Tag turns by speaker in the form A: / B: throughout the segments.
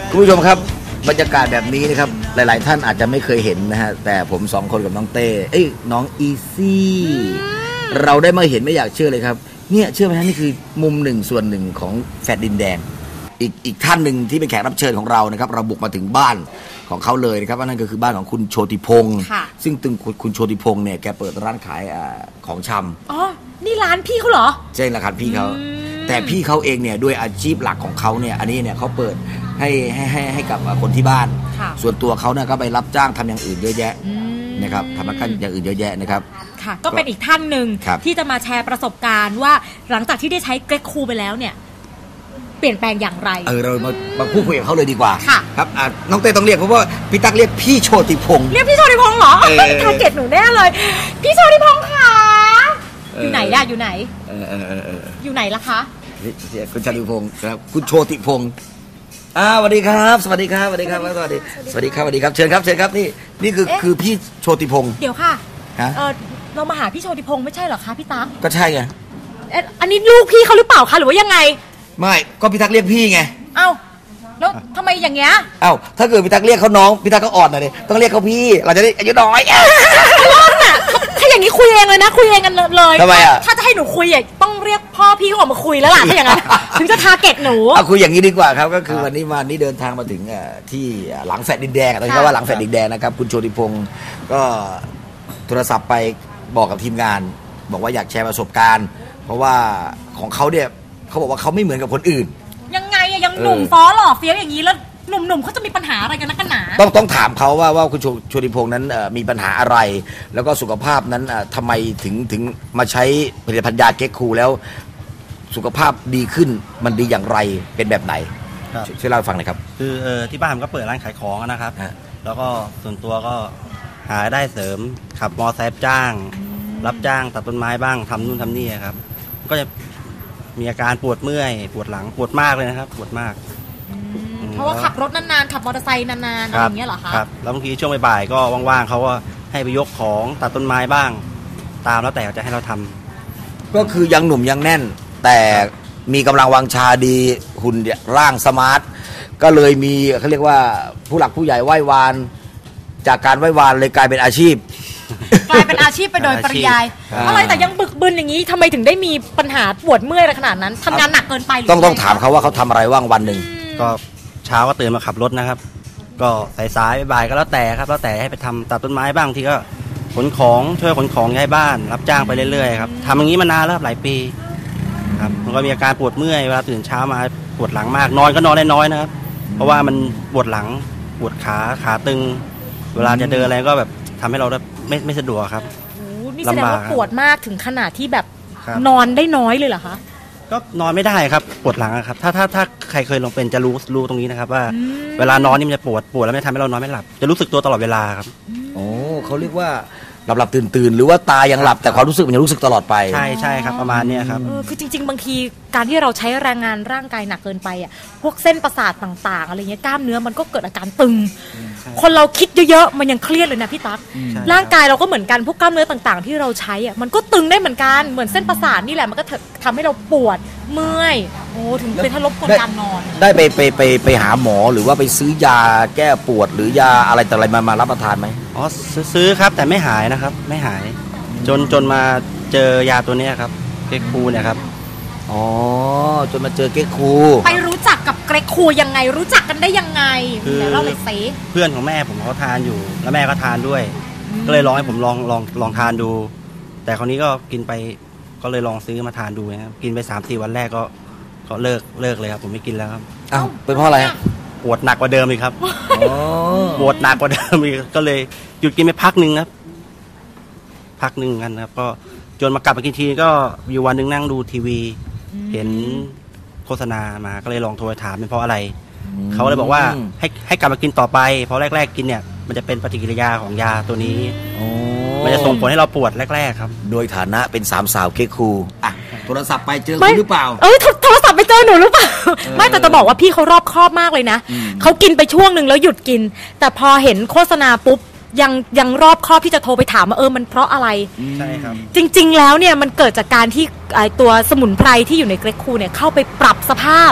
A: คุณผู้ชมครับบรรยากาศแบบนี้นะครับหลายๆท่านอาจจะไม่เคยเห็นนะฮะแต่ผม2 คนกับน้องเต้น้องอีซี่เราได้มาเห็นไม่อยากเชื่อเลยครับเนี่ยเชื่อไหมฮะนี่คือมุม1 ส่วน 1ของแฟลตดินแดงอีกท่านหนึ่งที่เป็นแขกรับเชิญของเรานะครับเราบุกมาถึงบ้านของเขาเลยนะครับนั่นก็คือบ้านของคุณโชติพงศ์ซึ่งคุณโชติพงศ์เนี่ยแกเปิดร้านขายของชำ
B: อ๋อนี่ร้านพี่เขาเหรอ
A: ใช่ร้านพี่เขาแต่พี่เขาเองเนี่ยด้วยอาชีพหลักของเขาเนี่ยอันนี้เนี่ยเขาเปิดให้กับคนที่บ้านส่วนตัวเขาเนี่ยก็ไปรับจ้างทำอย่างอื่นเยอะแยะนะครับทำอย่างอื่นเยอะแยะนะครับ
B: ค่ะก็เป็นอีกท่านหนึ่งที่จะมาแชร์ประสบการณ์ว่าหลังจากที่ได้ใช้เกรกคูไปแล้วเนี่ยเปลี่ยนแปลงอย่างไร
A: เรามาพูดคุยกับเขาเลยดีกว่าครับน้องเต้ต้องเรียกเพราะว่าพี่ตั๊กเรียกพี่โชติพงศ์
B: เรียกพี่โชติพงศ์เหรอทาร์เก็ตหนูแน่เลยพี่โชติพงศ์ค่ะอยู่ไหนล่ะอยู่ไหนอยู่ไหนล่ะคะ
A: คุณโชติพงศ์ครับคุณโชติพงศ์สวัสดีครับสวัสดีครับสวัสดีครับสวัสดีครับสวัสดีครับเชิญครับนี่คือพี่โชติพงศ์
B: เดี๋ยวค่ะเรามาหาพี่โชติพงศ์ไม่ใช่เหรอคะพี่ตั๊ก
A: ก็ใช่ไง
B: อันนี้ลูกพี่เขาหรือเปล่าคะหรือว่ายังไง
A: ไม่ก็พี่ตั๊กเรียกพี่ไง
B: เอ้าแล้วทำไมอย่างเงี้ย
A: ถ้าเกิดพี่ตั๊กเรียกเขาน้องพี่ตั๊กก็อ่อนหน่อยดิต้องเรียกเขาพี่เราจะได้อายุน้อย
B: ถ้าอย่างนี้คุยเองเลยนะคุยเองกันเลย
A: ทำไม
B: ถ้าจะให้หนูคุยต้องเรียกพ่อพี่เขาออกมาคุยแล้วล่ะถ้าอย่างนั้นถึงจะทาร์เก็ตหนู
A: คุยอย่างนี้ดีกว่าครับก็คือวันนี้เดินทางมาถึงที่หลังแฟลตดินแดงต้องเรียกว่าหลังแฟลตดินแดงนะครับคุณโชติพงศ์ก็โทรศัพท์ไปบอกกับทีมงานบอกว่าอยากแชร์ประสบการณ์เพราะว่าของเขาเนี่ยเขาบอกว่าเขาไม่เหมือนกับคนอื่น
B: ยังไงยังหนุ่มฟ้อหล่อเฟี้ยวอย่างนี้แล้วหนุ่มเขาจะมีปัญหาอะไรกันนักกันหนา
A: ต้องถามเขาว่าคุณโชติพงศ์นั้นมีปัญหาอะไรแล้วก็สุขภาพนั้นทำไมถึงมาใช้ผลิตภัณฑ์ยาเก๊กคูแล้วสุขภาพดีขึ้นมันดีอย่างไรเป็นแบบไหนช่วยเล่าให้ฟังหน่อยครับ
C: คือที่บ้านผมก็เปิดร้านขายของนะครับแล้วก็ส่วนตัวก็หาได้เสริมขับมอเตอร์ไซค์จ้างรับจ้างตัดต้นไม้บ้างทำนู่นทำนี่ครับก็จะมีอาการปวดเมื่อยปวดหลังปวดมากเลยนะครับปวดมาก
B: เพราะว่าขับรถนานๆขับมอเตอร์ไซค์นานๆอะไรอย่างเงี้ยเหรอคะ
C: ครับแล้วบางทีช่วงบ่ายๆก็ว่างๆเขาก็ให้ไปยกของตัดต้นไม้บ้างตามแล้วแต่จะให้เราทำ
A: ก็คือยังหนุ่มยังแน่นแต่มีกำลังวังชาดีหุ่นร่างสมาร์ทก็เลยมีเขาเรียกว่าผู้หลักผู้ใหญ่ไหว้วานจากการไหว้วานเลยกลายเป็นอาชีพ
B: กลายเป็นอาชีพไปโดยปริยายอะไรแต่ยังบึกบึนอย่างนี้ทำไมถึงได้มีปัญหาปวดเมื่อยอะไรขนาดนั้นทำงานหนักเกินไป
A: ต้องถามเขาว่าเขาทำอะไรว่างวันหนึ่ง
C: ก็เช้าก็ตื่นมาขับรถนะครับก็สายๆบ่ายๆก็แล้วแต่ครับแล้วแต่ให้ไปทำตัดต้นไม้บ้างที่ก็ขนของช่วยขนของย้ายบ้านรับจ้างไปเรื่อยๆครับทำอย่างนี้มานานแล้วหลายปีครับมันก็มีอาการปวดเมื่อยเวลาตื่นเช้ามาปวดหลังมากนอนก็นอนได้น้อยนะครับเพราะว่ามันปวดหลังปวดขาตึงเวลาจะเดินอะไรก็แบบทำให้เราไม่สะดวกครับ
B: นี่แสดงว่าปวดมากถึงขนาดที่แบบนอนได้น้อยเลยเหรอคะ
C: ก็นอนไม่ได้ครับปวดหลังครับถ้าใครเคยลองเป็นจะรู้ตรงนี้นะครับว่าเวลานอนนี่มันจะปวดแล้วไม่ทำให้เรานอนไม่หลับจะรู้สึกตัวตลอดเวลาครับ
A: โอ้เขาเรียกว่าหลับตื่นหรือว่าตายังหลับแต่ความรู้สึกมันยังรู้สึกตลอดไป
C: ใช่ครับประมาณนี้ครับ
B: คือจริงๆบางทีการที่เราใช้แรงงานร่างกายหนักเกินไปพวกเส้นประสาทต่างๆอะไรเงี้ยกล้ามเนื้อมันก็เกิดอาการตึงคนเราคิดเยอะๆมันยังเครียดเลยนะพี่ตั๊กร่างกายเราก็เหมือนกันพวกกล้ามเนื้อต่างๆที่เราใช้มันก็ตึงได้เหมือนกันเหมือนเส้นประสาทนี่แหละมันก็ทำให้เราปวดเมื่อยถึงเป็นทารกคนการนอน
A: ได้ไปหาหมอหรือว่าไปซื้อยาแก้ปวดหรือยาอะไรแต่อะไรมารับประทานไหม
C: อ๋อซื้อครับแต่ไม่หายนะครับไม่หายจนมาเจอยาตัวนี้ครับเกรกคูเนี่ยครับ
A: จนมาเจอเกรกคู
B: ไปรู้จักกับเกรกคูยังไงรู้จักกันได้ยังไงเดี๋ยวเราเลยซิ
C: เพื่อนของแม่ผมเขาทานอยู่แล้วแม่ก็ทานด้วยก็เลยลองให้ผมลองทานดูแต่คราวนี้ก็กินไปก็เลยลองซื้อมาทานดูนะครับกินไป 3-4 วันแรกก็เลิกเลยครับผมไม่กินแล้วครับ
A: เป็นเพราะอะไร
C: ปวดหนักกว่าเดิมอีกครับปวดหนักกว่าเดิมอีกก็เลยหยุดกินไปพักนึงครับกันครับก็จนมากลับมากินทีก็อยู่วันนึงนั่งดูทีวีเห็นโฆษณามาก็เลยลองโทรถามเป็นเพราะอะไรเขาเลยบอกว่าให้กลับมากินต่อไปเพราะแรกๆกินเนี่ยมันจะเป็นปฏิกิริยาของยาตัวนี้มันจะส่งผลให้เราปวดแรกๆครับ
A: โดยฐานะเป็น3 สาวเกรกคูโทรศัพท์ไปเจอคุณหรือเปล่า
B: โทรศัพท์ไปเจอหนูหรือเปล่าไม่แต่จะบอกว่าพี่เขารอบคอบมากเลยนะเขากินไปช่วงนึงแล้วหยุดกินแต่พอเห็นโฆษณาปุ๊บยังรอบคอบที่จะโทรไปถามว่ามันเพราะอะไร
C: ใช่ครับ
B: จริงๆแล้วเนี่ยมันเกิดจากการที่ตัวสมุนไพรที่อยู่ในเกรกคูเนี่ยเข้าไปปรับสภาพ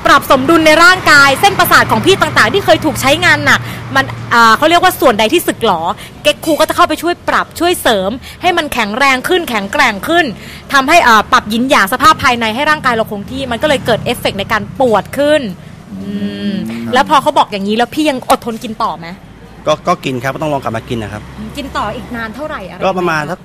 B: ปรับสมดุลในร่างกายเส้นประสาทของพี่ต่างๆที่เคยถูกใช้งานหนักมันเขาเรียกว่าส่วนใดที่สึกหรอเก็กคูก็จะเข้าไปช่วยปรับช่วยเสริมให้มันแข็งแรงขึ้นแข็งแกร่งขึ้นทำให้ปรับหยินหยางสภาพภายในให้ร่างกายเราคงที่มันก็เลยเกิดเอฟเฟกต์ในการปวดขึ้นแล้วพอเขาบอกอย่างนี้แล้วพี่ยังอดทนกินต่อไหม
C: ก็กินครับก็ต้องลองกลับมากินนะครับ
B: กินต่ออีกนานเท่าไหร่อะไร
C: ก็ประมาณสัก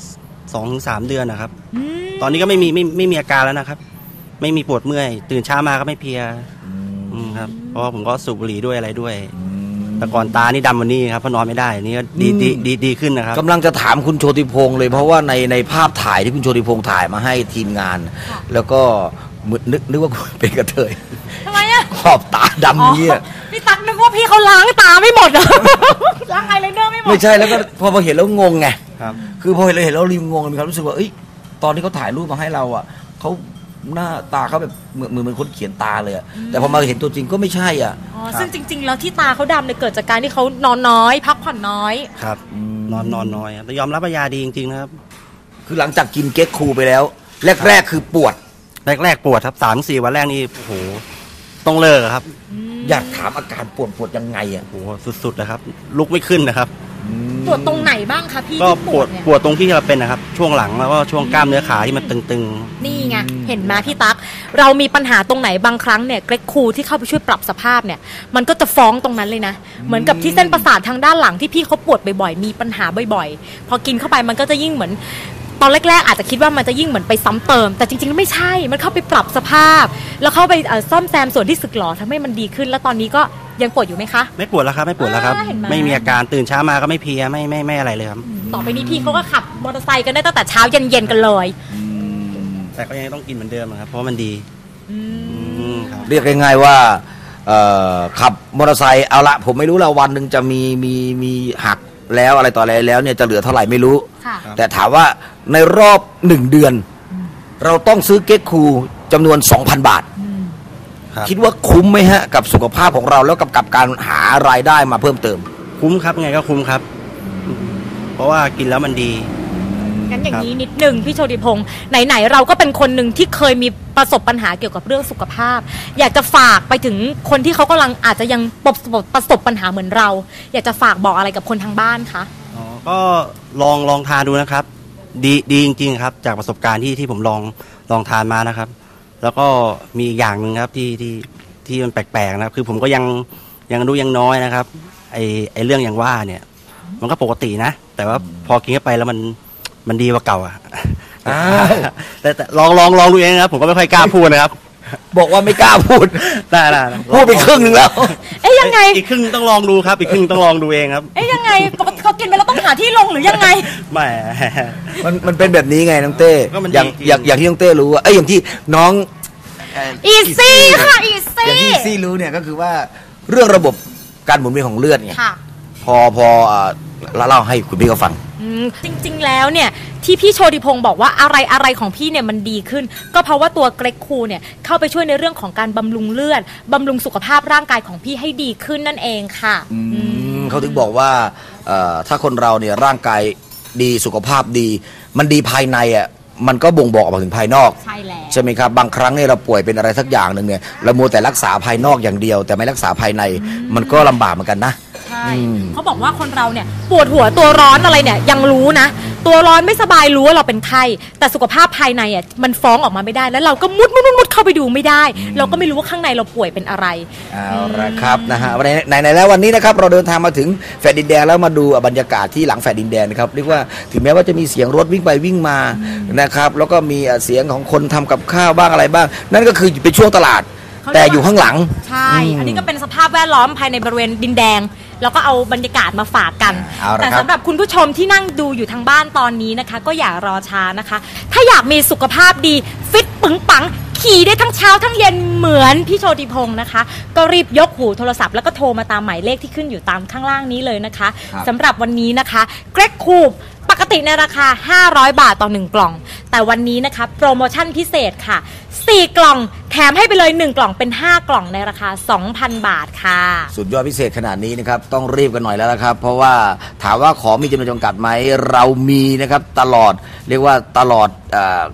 C: 2-3 เดือนนะครับตอนนี้ก็ไม่มีอาการแล้วนะครับไม่มีปวดเมื่อยตื่นเช้ามาก็ไม่เพลียครับเพราะว่าผมก็สูบบุหรี่ด้วยอะไรด้วยแต่ก่อนตานี่ดำวันนี้ครับเพราะนอนไม่ได้นี่ก็ดีขึ้นนะครับ
A: กำลังจะถามคุณโชติพงษ์เลยเพราะว่าในภาพถ่ายที่คุณโชติพงษ์ถ่ายมาให้ทีมงานแล้วก็นึกว่าคุณเป็นกระเทย
B: ทำไมอะ
A: ขอบตาดำนี่
B: พี่ตั๊กนึกว่าพี่เขาล้างตาไม่หมดเหรอล้างไอไลเนอร์ไม่หมด
A: ไม่ใช่แล้วก็พอเห็นแล้วงงไงคือพอเห็นแล้วริมงงมีความรู้สึกว่าตอนที่เขาถ่ายรูปมาให้เราอ่ะเขาหน้าตาเขาแบบเหมือนคนเขียนตาเลยแต่พอมาเห็นตัวจริงก็ไม่ใช่อ่ะ
B: ซึ่งจริงๆแล้วที่ตาเขาดำเนี่ยเกิดจากการที่เขานอนน้อยพักผ่อนน้อย
C: ครับนอนน้อยแต่ยอมรับว่ายาดีจริงๆนะครับ
A: คือหลังจากกินเก๊กคูไปแล้วแรกคือปวด
C: แรกปวดครับ3-4 วันแรกนี่โอ้โหต้องเลิกครับ
A: อยากถามอาการปวดยังไงอ่ะ
C: โอ้โหสุดๆนะครับลุกไม่ขึ้นนะครับ
B: ปวดตรงไหนบ้างคะพี่
C: ก็ปวดตรงที่เราเป็นนะครับช่วงหลังแล้วก็ช่วงกล้ามเนื้อขาที่มันตึง
B: ๆนี่ไงเห็นไหมพี่ตั๊กเรามีปัญหาตรงไหนบางครั้งเนี่ยเกรกคูที่เข้าไปช่วยปรับสภาพเนี่ยมันก็จะฟ้องตรงนั้นเลยนะเหมือนกับที่เส้นประสาททางด้านหลังที่พี่เขาปวดบ่อยๆมีปัญหาบ่อยๆพอกินเข้าไปมันก็จะยิ่งเหมือนตอนแรกๆอาจจะคิดว่ามันจะยิ่งเหมือนไปซ้ำเติมแต่จริงๆไม่ใช่มันเข้าไปปรับสภาพแล้วเข้าไปซ่อมแซมส่วนที่สึกหรอทำให้มันดีขึ้นแล้วตอนนี้ก็ยังปวดอยู่ไหมคะ
C: ไม่ปวดแล้วครับไม่มีอาการตื่นเช้ามาก็ไม่เพลียไม่อะไรเลยครับ
B: ต่อไปนี้พี่เขาก็ขับมอเตอร์ไซค์กันได้ตั้งแต่เช้าเย็นๆกันเลย
C: แต่ก็ยังต้องกินเหมือนเดิมครับเพราะมันดี
A: เรียกง่ายๆว่าขับมอเตอร์ไซค์เอาละผมไม่รู้ละวันหนึ่งจะมีหักแล้วอะไรต่ออะไรแล้วเนี่ยจะเหลือเท่าไหร่ไม่รู้แต่ถามว่าในรอบ1 เดือนเราต้องซื้อเก๊กคูจำนวน 2,000 บาทคิดว่าคุ้มไหมฮะกับสุขภาพของเราแล้วกับการหารายได้มาเพิ่มเติม
C: คุ้มครับไงก็คุ้มครับเพราะว่ากินแล้วมันดี
B: งั้นอย่างนี้นิดนึงพี่โชติพงษ์ไหนๆเราก็เป็นคนหนึ่งที่เคยมีประสบปัญหาเกี่ยวกับเรื่องสุขภาพอยากจะฝากไปถึงคนที่เขากำลังอาจจะยังประสบปัญหาเหมือนเราอยากจะฝากบอกอะไรกับคนทางบ้านคะ
C: ก็ลองทานดูนะครับดีจริงๆครับจากประสบการณ์ที่ผมลองทานมานะครับแล้วก็มีอย่างหนึ่งครับที่มันแปลกๆนะครับคือผมก็ยังรู้ยังน้อยนะครับไอเรื่องอย่างว่าเนี่ยมันก็ปกตินะแต่ว่าพอกินเข้าไปแล้วมันดีกว่าเก่าอ่ะแต่ลองดูเองนะครับผมก็ไม่ค่อยกล้าพูดนะครับ
A: บอกว่าไม่กล้าพูด
C: ได้
A: พูดไปครึ่งนึงแล้ว
B: ยังไง
C: อีกครึ่งต้องลองดูครับอีกครึ่งต้องลองดูเองครับ
B: ยังไงเขากินไปแล้วต้องหาที่ลงหรือยังไง
C: ไม่
A: มันเป็นแบบนี้ไงน้องเต้อย่างที่น้องเต้รู้ว่าอย่างที่น้อง
B: อีซี่ค่ะอีซี่
A: อย่างที่อีซี่รู้เนี่ยก็คือว่าเรื่องระบบการหมุนเวียนของเลือดไงพอเล่าให้คุณพี่เขาฟัง
B: จริงๆแล้วเนี่ยที่พี่โชติพงษ์บอกว่าอะไรของพี่เนี่ยมันดีขึ้นก็เพราะว่าตัวเกรกคูเนี่ยเข้าไปช่วยในเรื่องของการบำรุงเลือดบำรุงสุขภาพร่างกายของพี่ให้ดีขึ้นนั่นเองค่ะ
A: เขาถึงบอกว่าถ้าคนเราเนี่ยร่างกายดีสุขภาพดีมันดีภายในอ่ะมันก็บ่งบอกออกมาถึงภายนอกใช่ไหมครับบางครั้งเนี่ยเราป่วยเป็นอะไรสักอย่างหนึ่งเนี่ยเรามัวแต่รักษาภายนอกอย่างเดียวแต่ไม่รักษาภายในมันก็ลำบากเหมือนกันนะ
B: ใช่เขาบอกว่าคนเราเนี่ยปวดหัวตัวร้อนอะไรเนี่ยยังรู้นะตัวร้อนไม่สบายรู้ว่าเราเป็นไข้แต่สุขภาพภายในอ่ะมันฟ้องออกมาไม่ได้แล้วเราก็มุดเข้าไปดูไม่ได้เราก็ไม่รู้ว่าข้างในเราป่วยเป็นอะไร
A: เอาละครับนะฮะในแล้ววันนี้นะครับเราเดินทางมาถึงแฟลตดินแดงแล้วมาดูบรรยากาศที่หลังแฟลตดินแดงนะครับเรียกว่าถึงแม้ว่าจะมีเสียงรถวิ่งไปวิ่งมานะครับแล้วก็มีเสียงของคนทำกับข้าวบ้างอะไรบ้างนั่นก็คือเป็นช่วงตลาดแต่อยู่ข้างหลัง
B: ใช่อันนี้ก็เป็นสภาพแวดล้อมภายในบริเวณดินแดงแล้วก็เอาบรรยากาศมาฝากกันแต่สำหรับคุณผู้ชมที่นั่งดูอยู่ทางบ้านตอนนี้นะคะก็อย่ารอช้านะคะถ้าอยากมีสุขภาพดีฟิตปึงปังขี่ได้ทั้งเช้าทั้งเย็นเหมือนพี่โชติพงษ์นะคะก็รีบยกหูโทรศัพท์แล้วก็โทรมาตามหมายเลขที่ขึ้นอยู่ตามข้างล่างนี้เลยนะคะสำหรับวันนี้นะคะเกรกคูปกติในราคา500 บาทต่อ1 กล่องแต่วันนี้นะคะโปรโมชั่นพิเศษค่ะ4 กล่องแถมให้ไปเลย1 กล่องเป็น5 กล่องในราคา 2,000 บาทค่ะ
A: สุดยอดพิเศษขนาดนี้นะครับต้องรีบกันหน่อยแล้วนะครับเพราะว่าถามว่าของมีจำนวนจำกัดไหมเรามีนะครับตลอดเรียกว่าตลอด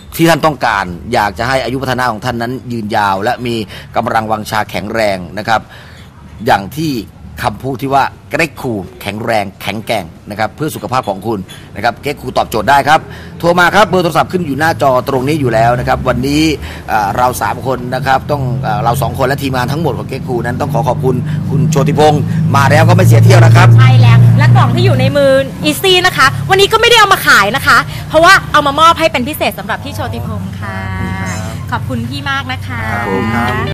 A: ที่ท่านต้องการอยากจะให้อายุพัฒนาของท่านนั้นยืนยาว และมีกำลังวังชาแข็งแรงนะครับอย่างที่คำพูดที่ว่าเก๊กคูแข็งแรงแข็งแกร่งนะครับเพื่อสุขภาพของคุณนะครับเก๊กคูตอบโจทย์ได้ครับโทรมาครับเบอร์โทรศัพท์ขึ้นอยู่หน้าจอตรงนี้อยู่แล้วนะครับวันนี้เรา3คนนะครับต้องเรา2คนและทีมงานทั้งหมดของเก๊กคูนั้นต้องขอบคุณคุณโชติพงศ์มาแล้วก็ไม่เสียเที่ยวนะครับ
B: ใช่แล้วและกล่องที่อยู่ในมืออีซี่นะคะวันนี้ก็ไม่ได้เอามาขายนะคะเพราะว่าเอามามอบให้เป็นพิเศษสำหรับพี่โชติพงศ์ค่ะขอบคุณพี่มากนะคะ